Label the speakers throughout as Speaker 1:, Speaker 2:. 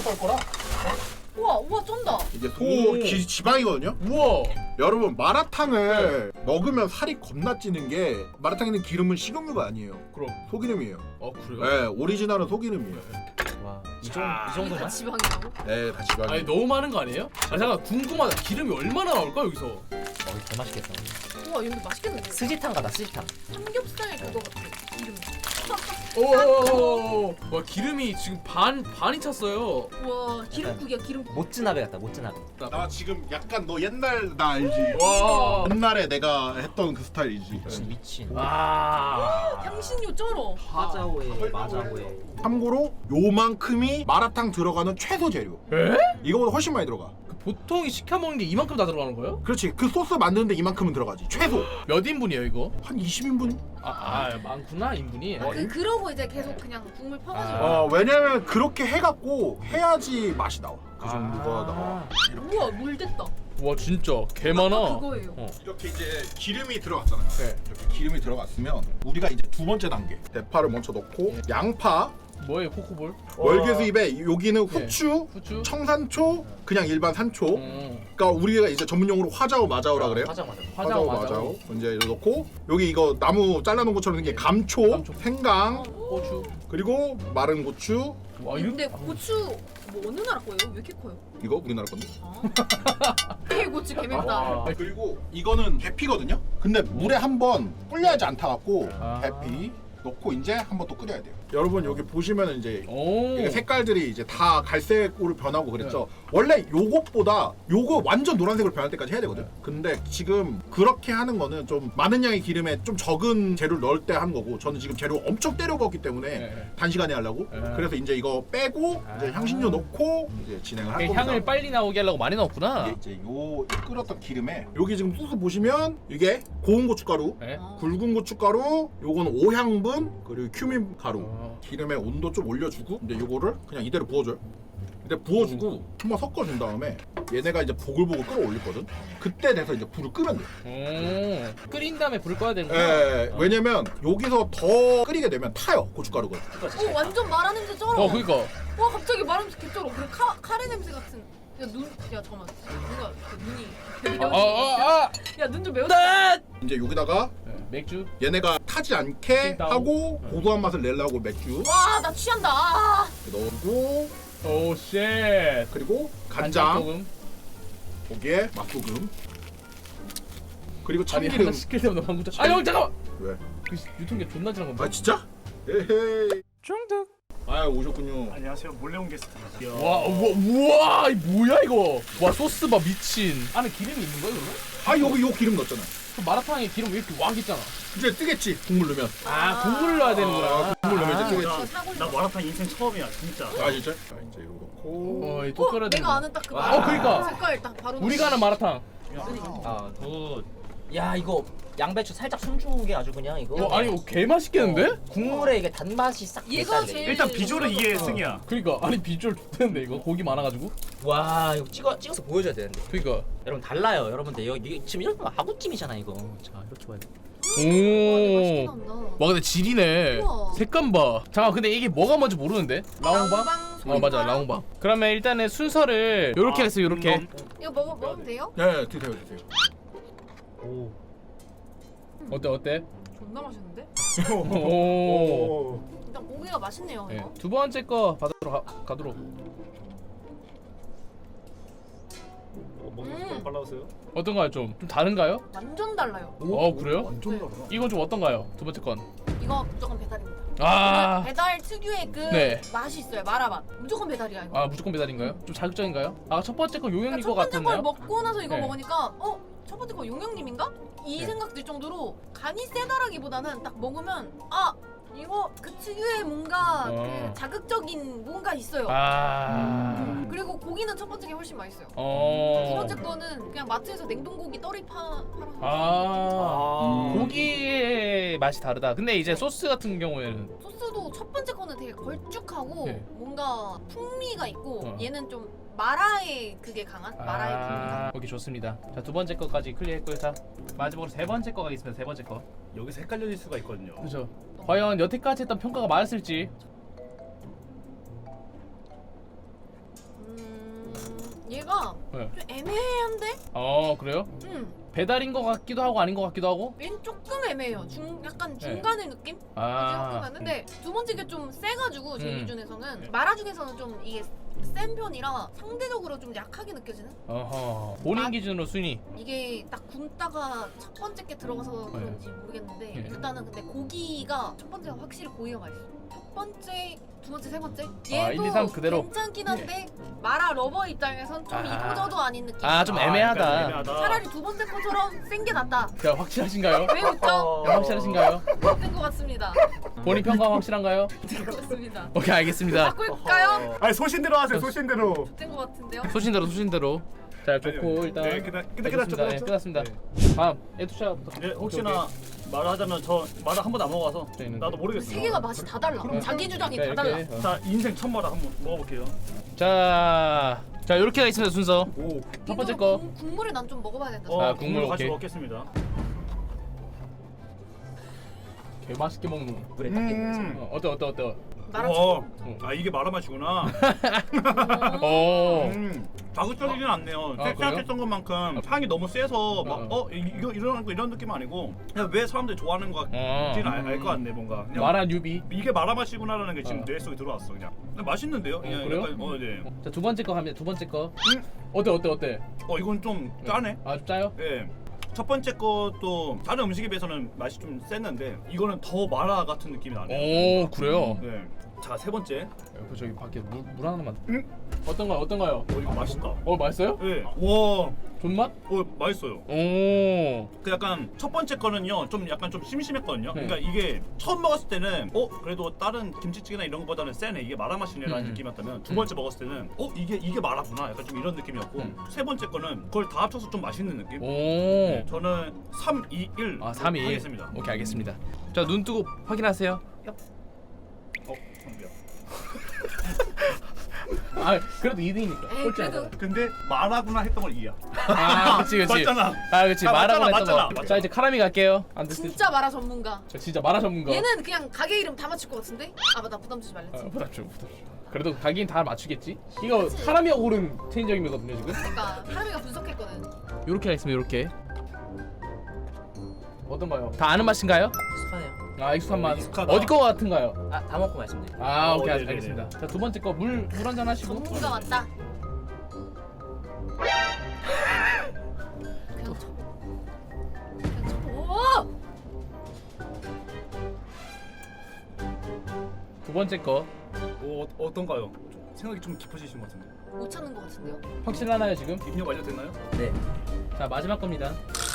Speaker 1: 썰 거라.
Speaker 2: 우와 우와 쩐다.
Speaker 1: 이게
Speaker 3: 오.
Speaker 1: 지방이거든요.
Speaker 3: 우와.
Speaker 1: 여러분 마라탕을 먹으면 살이 겁나 찌는 게 마라탕에 있는 기름은 식용유가 아니에요.
Speaker 3: 그럼.
Speaker 1: 소기름이에요.
Speaker 3: 그래요?
Speaker 1: 네, 오리지널은 소기름이에요.
Speaker 4: 와, 이
Speaker 2: 이게 다
Speaker 4: 정도만?
Speaker 2: 지방이라고?
Speaker 1: 네, 다 지방이.
Speaker 3: 아니 너무 많은 거 아니에요? 아 잠깐 궁금하다. 기름이 얼마나 나올까 여기서?
Speaker 4: 이거 개 맛있겠다.
Speaker 2: 우와 이거 맛있겠는데?
Speaker 4: 스지탕 같다, 스지탕.
Speaker 2: 삼겹살 그거 같아. 이름.
Speaker 3: 오. 와 기름이 지금 반이 찼어요.
Speaker 2: 우와 기름국이야 기름국.
Speaker 4: 모츠나베 같다, 모츠나베.
Speaker 1: 나 지금 약간 너 옛날 나 알지?
Speaker 3: 와.
Speaker 1: 옛날에 내가 했던 그 스타일이지.
Speaker 4: 미친.
Speaker 3: 와.
Speaker 2: 향신료 쩔어.
Speaker 4: 하자오에, 마자오에.
Speaker 1: 참고로 요만큼이 마라탕 들어가는 최소 재료.
Speaker 3: 에?
Speaker 1: 이거보다 훨씬 많이 들어가.
Speaker 3: 그 보통 시켜 먹는 게 이만큼 다 들어가는 거예요?
Speaker 1: 그렇지. 그 소스 만드는데 이만큼은 들어가지. 최소.
Speaker 3: 몇 인분이에요 이거?
Speaker 1: 한 20인분?
Speaker 3: 많구나 인분이.
Speaker 2: 그러고 이제 계속 그냥 국물 퍼가지고.
Speaker 1: 왜냐면 그렇게 해갖고 해야지 맛이 나와. 그 정도가 나와.
Speaker 2: 우와 물 됐다.
Speaker 3: 와 진짜 개
Speaker 2: 아까
Speaker 3: 많아.
Speaker 2: 그거예요.
Speaker 1: 이렇게 이제 기름이 들어갔잖아요.
Speaker 3: 네.
Speaker 1: 이렇게 기름이 들어갔으면 우리가 이제 두 번째 단계 대파를 먼저 넣고 양파,
Speaker 3: 뭐예요 포크볼?
Speaker 1: 월계수잎에 여기는 후추,
Speaker 3: 후추?
Speaker 1: 청산초, 그냥 일반 산초.
Speaker 3: 음.
Speaker 1: 그러니까 우리가 이제 전문용어로 화자오 마자오라 그래요.
Speaker 4: 하자, 맞아.
Speaker 3: 화자오
Speaker 1: 마자오.
Speaker 3: 마자오.
Speaker 1: 이제 이렇게 넣고 여기 이거 나무 잘라놓은 것처럼 생긴 감초,
Speaker 3: 감초.
Speaker 1: 생강,
Speaker 3: 고추.
Speaker 1: 그리고 마른 고추.
Speaker 3: 와
Speaker 2: 근데 고추 뭐 어느 나라 거예요? 왜 이렇게 커요?
Speaker 1: 이거 우리나라 건데.
Speaker 2: 이 고추 개맵다.
Speaker 3: 아.
Speaker 1: 그리고 이거는 계피거든요. 근데 물에 한번 불려야지 안 타갖고
Speaker 3: 아.
Speaker 1: 계피 넣고 이제 한번 또 끓여야 돼요. 여러분 여기 보시면은 이제
Speaker 3: 오.
Speaker 1: 이게 색깔들이 이제 다 갈색으로 변하고 그랬죠. 원래 요것보다 요거 완전 노란색으로 변할 때까지 해야 되거든. 근데 지금 그렇게 하는 거는 좀 많은 양의 기름에 좀 적은 재료를 넣을 때 하는 거고, 저는 지금 재료 엄청 때려 먹기 때문에
Speaker 3: 네.
Speaker 1: 단시간에 하려고.
Speaker 3: 네.
Speaker 1: 그래서 이제 이거 빼고 이제 향신료 넣고 이제 진행을 할 겁니다.
Speaker 3: 향을 빨리 나오게 하려고 많이 넣었구나.
Speaker 1: 이게 이제 요 끓였던 기름에 여기 지금 소스 보시면 이게 고운 고춧가루,
Speaker 3: 네.
Speaker 1: 굵은 고춧가루, 요거는 오향분, 그리고 큐민 가루.
Speaker 3: 어.
Speaker 1: 기름에 온도 좀 올려주고 이제 요거를 그냥 이대로 부어줘요. 근데 부어주고 한번 섞어준 다음에 얘네가 이제 보글보글 끓어올리거든. 그때 돼서 이제 불을 끄면 돼.
Speaker 3: 끓인 다음에 불 꺼야 되는구나.
Speaker 1: 예, 왜냐면 여기서 더 끓이게 되면 타요 고춧가루가.
Speaker 2: 오 완전 마라 냄새 쩔어.
Speaker 3: 그니까.
Speaker 2: 와 갑자기 마라 냄새 개 쩔어. 그리고 카레 냄새 같은. 야 잠깐만. 누가 그 눈이. 야 눈 좀 매웠다.
Speaker 1: 이제 여기다가
Speaker 3: 맥주.
Speaker 1: 얘네가 타지 않게
Speaker 3: 찐따오.
Speaker 1: 하고 고소한 맛을 내려고 맥주
Speaker 2: 와 나 취한다. 아.
Speaker 1: 넣고,
Speaker 3: 오 쉣.
Speaker 1: 그리고 간장,
Speaker 3: 소금.
Speaker 1: 거기에 맛소금, 그리고
Speaker 3: 아니
Speaker 1: 참기름.
Speaker 3: 하나 시킬 때마다 방금 형 잠깐만.
Speaker 1: 왜?
Speaker 3: 그 유통기한 존나 지난 건데.
Speaker 1: 아 진짜? 에헤이.
Speaker 3: 중독.
Speaker 1: 아 오셨군요.
Speaker 5: 안녕하세요. 몰래 온 게스트입니다.
Speaker 3: 와 우와 이 뭐야 이거. 와 소스 봐 미친. 안에 기름이 있는 거야 그러면?
Speaker 1: 아 여기 요 기름 넣었잖아.
Speaker 3: 그 마라탕에 기름 왜 이렇게 왕 있잖아.
Speaker 1: 이제 뜨겠지 국물 넣으면.
Speaker 3: 국물을 넣어야 되는구나.
Speaker 1: 국물 넣으면 이제
Speaker 5: 나,
Speaker 1: 뜨겠지.
Speaker 5: 나 마라탕 인생 처음이야, 진짜.
Speaker 1: 아 진짜? 자 이제 이거 넣고.
Speaker 3: 이 또 끓여야 되는
Speaker 2: 내가 아는 딱 그거.
Speaker 3: 그니까.
Speaker 2: 색깔 딱 바로.
Speaker 3: 우리가 아는 마라탕.
Speaker 4: 아, 야, 이거 양배추 살짝 숨죽은 게 아주 그냥 이거.
Speaker 3: 아니 이거 개 맛있겠는데?
Speaker 4: 국물에 이게 단맛이 싹
Speaker 2: 얘가
Speaker 4: 배달돼.
Speaker 2: 제일.
Speaker 5: 일단 비주얼은 이게 승이야.
Speaker 3: 그니까 아니 비주얼 좋던데 이거 고기 많아가지고.
Speaker 4: 와, 이거 찍어서 보여줘야 되는데.
Speaker 3: 그니까.
Speaker 4: 여러분 달라요, 여러분들. 이거 지금 이런 거 아구찜이잖아 이거. 자, 이렇게 봐요.
Speaker 2: 맛있긴
Speaker 3: 오.
Speaker 2: 한다.
Speaker 3: 와 근데 질이네.
Speaker 2: 우와.
Speaker 3: 색감 봐. 잠깐 근데 이게 뭐가 뭔지 모르는데? 라옹방? 맞아 라옹방. 그러면 일단은 순서를 요렇게 해서 요렇게.
Speaker 2: 이거 먹으면 돼요?
Speaker 1: 네 드세요 드세요.
Speaker 4: 오.
Speaker 3: 어때?
Speaker 2: 존나 맛있는데?
Speaker 3: 오.
Speaker 2: 일단 고기가 맛있네요.
Speaker 3: 네.
Speaker 2: 이거.
Speaker 3: 두 번째 거 받으러 가도록.
Speaker 5: 먹는 거 빨라오세요.
Speaker 3: 어떤가요 좀 다른가요?
Speaker 2: 완전 달라요.
Speaker 3: 그래요?
Speaker 1: 완전
Speaker 2: 네.
Speaker 1: 다르다.
Speaker 3: 이건 좀 어떤가요? 두 번째 건.
Speaker 2: 이거 무조건 배달입니다.
Speaker 3: 아.
Speaker 2: 배달 특유의 그
Speaker 3: 네.
Speaker 2: 맛이 있어요. 마라맛. 무조건 배달이야 이거.
Speaker 3: 아 무조건 배달인가요? 좀 자극적인가요? 첫 번째 거 요형님 거
Speaker 2: 첫 번째 걸
Speaker 3: 같았나요?
Speaker 2: 먹고 나서 이거
Speaker 3: 네.
Speaker 2: 먹으니까 첫 번째 거 용영님인가? 이
Speaker 3: 네.
Speaker 2: 생각 들 정도로 간이 세다라기보다는 딱 먹으면 이거 그 특유의 뭔가 그 자극적인 뭔가 있어요. 그리고 고기는 첫 번째 게 훨씬 맛있어요. 두 번째 거는 그냥 마트에서 냉동고기 떨이 팔아서
Speaker 3: 고기의 맛이 다르다. 근데 이제 소스 같은 경우에는
Speaker 2: 소스도 첫 번째 거는 되게 걸쭉하고
Speaker 3: 네.
Speaker 2: 뭔가 풍미가 있고
Speaker 3: 어.
Speaker 2: 얘는 좀 마라의 그게 강한 마라의 풍미가.
Speaker 3: 오케이 좋습니다. 자 두 번째 거까지 클리어했고요. 자 마지막으로 세 번째 거가 있습니다. 세 번째 거.
Speaker 5: 여기서 헷갈릴 수가 있거든요.
Speaker 3: 그렇죠. 과연 여태까지 했던 평가가 맞았을지.
Speaker 2: 뭔가
Speaker 3: 네.
Speaker 2: 좀 애매한데?
Speaker 3: 그래요?
Speaker 2: 음.
Speaker 3: 배달인 것 같기도 하고 아닌 것 같기도 하고.
Speaker 2: 얘는 조금 애매해요. 약간 중간의 느낌?
Speaker 3: 아.
Speaker 2: 근데 두 번째 게 좀 세가지고 제 기준에서는
Speaker 5: 네.
Speaker 2: 마라 중에서는 좀 이게 센 편이라 상대적으로 좀 약하게 느껴지는?
Speaker 3: 어허. 본인 기준으로 순위.
Speaker 2: 이게 딱 굶다가 첫 번째 게 들어가서 그런지 모르겠는데
Speaker 3: 네.
Speaker 2: 일단은 근데 고기가 첫 번째가 확실히 고기가 맛있어. 첫 번째, 두 번째, 세 번째
Speaker 3: 아, 1, 2, 3 그대로.
Speaker 2: 괜찮긴 한데 마라 러버 입장에선 좀 이거저도 아닌 느낌.
Speaker 3: 좀 애매하다.
Speaker 5: 약간 애매하다.
Speaker 2: 차라리 두 번째 거처럼 센 게 낫다.
Speaker 3: 자, 확실하신가요?
Speaker 2: 왜 웃죠?
Speaker 3: 확실하신가요?
Speaker 2: 된 것 같습니다.
Speaker 3: 본인 평가 확실한가요?
Speaker 2: 그렇습니다.
Speaker 3: 오케이, 알겠습니다.
Speaker 2: 바꿀까요?
Speaker 5: 아니 소신대로 하세요. 소신대로.
Speaker 2: 된 것 같은데요?
Speaker 3: 소신대로. 자, 좋고
Speaker 5: 아니요.
Speaker 3: 일단
Speaker 5: 네, 끝났죠.
Speaker 3: 네, 끝났습니다. 다음 에투샤부터.
Speaker 5: 네, 혹시나 말하자면 저 마라 한 번도 안 먹어봐서
Speaker 3: 네, 있는데.
Speaker 5: 나도 모르겠어.
Speaker 2: 세 개가 맛이 다 달라. 자기 주장이 다 달라.
Speaker 5: 자 인생 첫 마라 한번 먹어볼게요.
Speaker 3: 자, 이렇게 있습니다 순서.
Speaker 5: 오.
Speaker 3: 첫 번째 거.
Speaker 2: 국물을 난 좀 먹어봐야 된다.
Speaker 3: 아,
Speaker 5: 국물
Speaker 3: 국물
Speaker 5: 같이
Speaker 3: 오케이.
Speaker 5: 먹겠습니다.
Speaker 3: 개 맛있게 먹는.
Speaker 4: 물에 딱 끼면서.
Speaker 3: 어때?
Speaker 2: 마라
Speaker 5: 와, 아 이게 마라 맛이구나.
Speaker 3: 오.
Speaker 5: 자극적이진 않네요.
Speaker 3: 아,
Speaker 5: 생각했던 것만큼 향이 너무 세서 막
Speaker 3: 어.
Speaker 5: 이거 이런 느낌 아니고 그냥 왜 사람들이 좋아하는 것 같지는 알 것 같네 뭔가. 그냥
Speaker 3: 마라 뉴비.
Speaker 5: 이게 마라 맛이구나라는 게 지금 뇌 속에 들어왔어 그냥. 근데 맛있는데요? 그냥
Speaker 3: 그래요?
Speaker 5: 약간, 네.
Speaker 3: 자, 두 번째 거 갑니다. 두 번째 거. 어때?
Speaker 5: 이건 좀 짜네.
Speaker 3: 좀 짜요?
Speaker 5: 예. 첫 번째 것도 다른 음식에 비해서는 맛이 좀 셌는데 이거는 더 마라 같은 느낌이 나네요.
Speaker 3: 오, 그래요?
Speaker 5: 네. 자, 세 번째.
Speaker 3: 저기 밖에 물 하나만. 어떤가요?
Speaker 5: 이거 맛있다.
Speaker 3: 맛있어요?
Speaker 5: 예. 와.
Speaker 3: 존맛?
Speaker 5: 맛있어요.
Speaker 3: 오.
Speaker 5: 그 약간 첫 번째 거는요 좀 약간 좀 심심했거든요.
Speaker 3: 네.
Speaker 5: 그러니까 이게 처음 먹었을 때는 그래도 다른 김치찌개나 이런 거보다는 세네 이게 마라 맛이네라는 느낌이었다면 두 번째 먹었을 때는 이게 마라구나 약간 좀 이런 느낌이었고 세 번째 거는 그걸 다 합쳐서 좀 맛있는 느낌.
Speaker 3: 오.
Speaker 5: 네, 저는 3, 2, 1
Speaker 3: 3, 2, 1.
Speaker 5: 하겠습니다.
Speaker 3: 오케이, 알겠습니다. 자, 눈 뜨고 확인하세요.
Speaker 5: 선비야.
Speaker 3: 그래도 2등이니까.
Speaker 2: 에이, 그래도
Speaker 5: 근데 마라구나 했던 걸 이해야.
Speaker 3: 그치.
Speaker 5: 맞잖아.
Speaker 3: 그치.
Speaker 5: 아,
Speaker 3: 마라고
Speaker 5: 맞잖아,
Speaker 3: 했던 거.
Speaker 5: 맞잖아.
Speaker 3: 자, 이제 카라미 갈게요. 안 됐을 때.
Speaker 2: 진짜 마라 전문가.
Speaker 3: 저 진짜 마라 전문가.
Speaker 2: 얘는 그냥 가게 이름 다 맞출 것 같은데? 아 맞다 부담 주지 말랬지.
Speaker 3: 부담 줘. 그래도 가긴 다 맞추겠지? 이거 카라미가 고른 체인점이거든요, 지금.
Speaker 2: 그러니까 하람이가 분석했거든.
Speaker 3: 요렇게 하겠습니다, 요렇게. 어떤가요? 다 아는 맛인가요?
Speaker 4: 익숙하네요.
Speaker 3: 익숙한 맛.
Speaker 5: 익숙하다.
Speaker 3: 어디 거 같은가요?
Speaker 4: 다 먹고 말씀드릴게요.
Speaker 3: 오케이,
Speaker 5: 네네네.
Speaker 3: 알겠습니다. 자, 두 번째 거 물 한 잔 하시고.
Speaker 2: 전문가 맞다. 그냥 쳐보. 그냥 쳐보.
Speaker 3: 두 번째 거
Speaker 5: 어떤가요? 생각이 좀 깊어지신 것 같은데.
Speaker 2: 못 찾는 것 같은데요?
Speaker 3: 확실하나요, 지금?
Speaker 5: 입력 완료됐나요?
Speaker 4: 네.
Speaker 3: 자, 마지막 겁니다.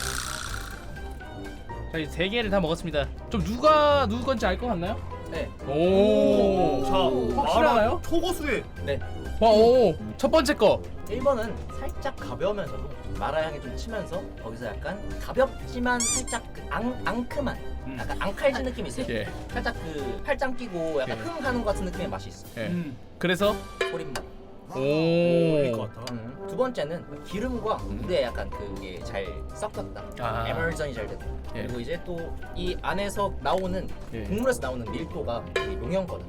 Speaker 3: 자, 이제 세 개를 다 먹었습니다. 좀 누구 건지 알 것 같나요?
Speaker 4: 네.
Speaker 3: 오.
Speaker 5: 자,
Speaker 3: 확실하나요?
Speaker 5: 마라 초고수에
Speaker 4: 네.
Speaker 3: 첫 번째 거.
Speaker 4: 1번은 살짝 가벼우면서도 마라 향이 좀 치면서 거기서 약간 가볍지만 살짝 그 앙큼한 약간 앙칼진 느낌이 있어요.
Speaker 3: 예.
Speaker 4: 살짝 그 팔짱 끼고 약간
Speaker 3: 예.
Speaker 4: 흥하는 것 같은 느낌의 맛이 있어.
Speaker 3: 예. 그래서
Speaker 4: 소림맛.
Speaker 5: 일 것
Speaker 3: 오.
Speaker 5: 같다.
Speaker 4: 두 번째는 기름과 물에 약간 그게 잘 섞였다. 에멀전이 잘 됐다.
Speaker 3: 예.
Speaker 4: 그리고 이제 또 이 안에서 나오는
Speaker 3: 예.
Speaker 4: 국물에서 나오는 밀도가 되게 용연거든.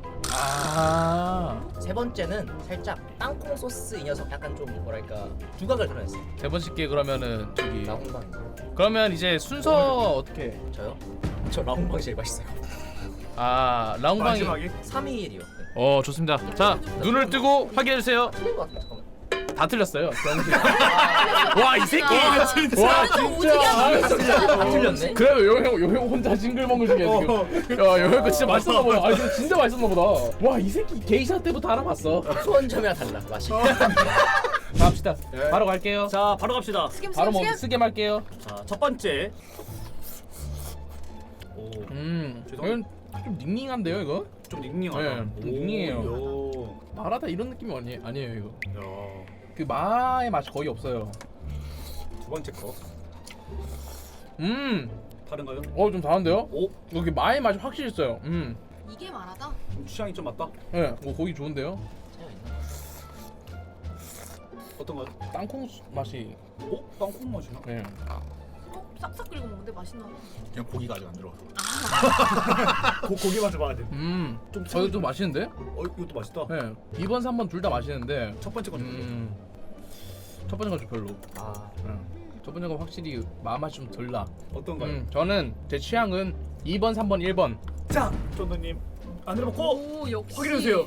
Speaker 3: 세
Speaker 4: 세 번째는 살짝 땅콩 소스 이 녀석 약간 좀 뭐랄까 두각을 드러냈어요.
Speaker 3: 번째 게 그러면은 저기
Speaker 4: 라홍방.
Speaker 3: 그러면 이제 순서 어떻게?
Speaker 4: 저요? 저 라홍방이 제일 맛있어요.
Speaker 3: 라운방이.
Speaker 5: 마지막이
Speaker 4: 321이요.
Speaker 3: 좋습니다. 자, 눈을 뜨고 확인해 주세요.
Speaker 4: 틀린 것 같은데 잠깐만.
Speaker 3: 다 틀렸어요. 와, 이 새끼.
Speaker 2: 아,
Speaker 5: 진짜.
Speaker 3: 와,
Speaker 2: 완전 오지게 하네, 진짜.
Speaker 4: 다 틀렸네.
Speaker 3: 그래도 요형 혼자 징글벙글 중이야 지금. 요형 거 진짜 맛있었나 보다. 이거 진짜 맛있었나 보다. 와, 이 새끼 게이샤 때부터 알아봤어.
Speaker 4: 수원점이랑 달라 맛이.
Speaker 3: 갑시다. 바로 갈게요.
Speaker 5: 자, 바로 갑시다.
Speaker 2: 스김
Speaker 3: 바로
Speaker 2: 스김
Speaker 3: 뭐
Speaker 2: 스김.
Speaker 3: 쓰게 말게요.
Speaker 5: 자, 첫 번째. 오,
Speaker 3: 이건 좀 닝닝한데요, 이거?
Speaker 5: 좀 닝닝하다.
Speaker 3: 네, 좀 닝닝해요.
Speaker 5: 오,
Speaker 3: 마라다 이런 느낌이 아니에요, 이거.
Speaker 5: 야.
Speaker 3: 그 마의 맛이 거의 없어요.
Speaker 5: 두 번째 거. 다른가요?
Speaker 3: 좀 다른데요?
Speaker 5: 오,
Speaker 3: 여기 마의 맛이 확실히 있어요.
Speaker 2: 이게 마라다?
Speaker 5: 좀 취향이 좀 맞다.
Speaker 3: 네, 고기 좋은데요?
Speaker 5: 어떤가요?
Speaker 3: 땅콩 맛이.
Speaker 5: 땅콩 맛이나?
Speaker 3: 네.
Speaker 2: 싹싹 긁어 먹는데 맛있나 봐.
Speaker 1: 그냥 고기가 아직 안 들어가서.
Speaker 5: 고기 맛을 봐야 돼.
Speaker 3: 좀 저도 좀 맛있는데?
Speaker 5: 이것도 맛있다.
Speaker 3: 네. 2번, 3번 둘 다 맛있는데.
Speaker 5: 첫 번째 건.
Speaker 3: 첫 번째가 좀 별로.
Speaker 4: 아
Speaker 3: 첫 번째가 확실히 마음맛이 좀 덜 나.
Speaker 5: 어떤가요?
Speaker 3: 저는 제 취향은 2번, 3번, 1번.
Speaker 5: 자, 쫀득님 안으로 먹고
Speaker 2: 오 역시.
Speaker 5: 확인해 주세요.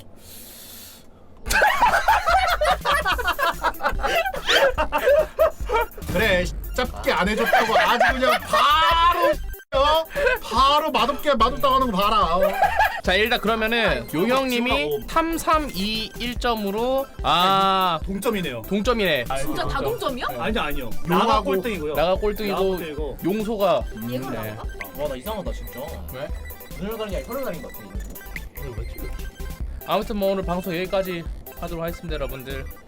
Speaker 1: 그래 짧게 안 해줬다고 아주 그냥 바로 맛없다고 하는 거 봐라.
Speaker 3: 자 일단 그러면은 요 형님이 3, 3, 2, 1점으로
Speaker 5: 동점이네요.
Speaker 3: 동점이네.
Speaker 2: 진짜 다 동점이야?
Speaker 5: 아니요. 나가
Speaker 1: 용하고
Speaker 5: 꼴등이고요.
Speaker 3: 나가 꼴등이고
Speaker 5: 꼴등이고.
Speaker 3: 용소가
Speaker 2: 얘가
Speaker 3: 네.
Speaker 2: 나가?
Speaker 4: 와 나 이상하다 진짜.
Speaker 3: 왜?
Speaker 4: 눈을 가린 게 아니라 혀를 가린 것 같아.
Speaker 3: 아무튼 뭐 오늘 방송 여기까지 하도록 하겠습니다 여러분들.